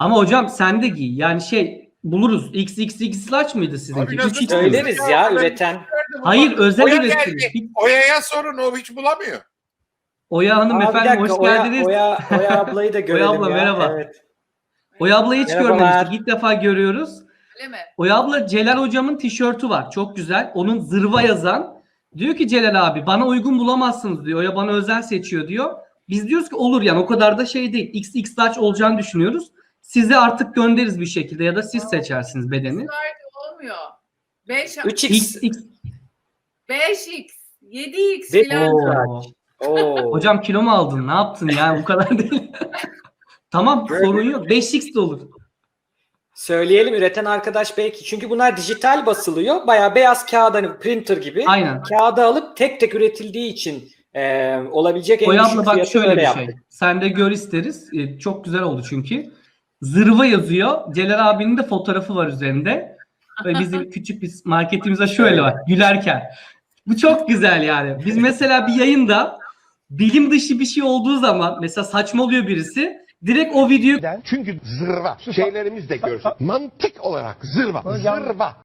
Ama hocam sen de giy. Yani buluruz. XXX large mıydı sizinki? Abi nasıl 3X mi? Söyleriz ya üreten. Hayır, özel Oya üretim. geldi. Oya'ya sorun, o hiç bulamıyor. Oya Hanım Aa, bir efendim dakika, hoş geldiniz. Oya ablayı da Oya görelim abla ya. merhaba. Evet. Oya ablayı hiç Merhabalar. görmemiştik. İlk defa görüyoruz. Öyle mi? Oya abla Celal hocamın tişörtü var. Çok güzel. Onun zırva yazan. Diyor ki Celal abi bana uygun bulamazsınız diyor. Oya bana özel seçiyor diyor. Biz diyoruz ki olur yani o kadar da şey değil. XX large olacağını düşünüyoruz. Size artık göndeririz bir şekilde ya da siz seçersiniz bedeni. Olmuyor. 5, 3x. XX. 5x, 7x Ve- filan. Oo. Oo. Hocam kilo mu aldın? Ne yaptın yani bu kadar değil. Tamam sorun yok. 5x de olur. Söyleyelim üreten arkadaş belki. Çünkü bunlar dijital basılıyor. Bayağı beyaz kağıt, hani printer gibi. Aynen. Kağıda alıp tek tek üretildiği için olabilecek en Oya düşük abla bak fiyatı şöyle öyle bir yaptık. şey. Sen de gör isteriz. Çok güzel oldu çünkü. Zırva yazıyor. Celal abinin de fotoğrafı var üzerinde. Ve bizim küçük bir marketimize şöyle bak gülerken. Bu çok güzel yani. Biz mesela bir yayında bilim dışı bir şey olduğu zaman mesela saçmalıyor birisi. Direkt o videoyu Çünkü zırva. Şeylerimiz de görsün. Mantık olarak zırva. Zırva.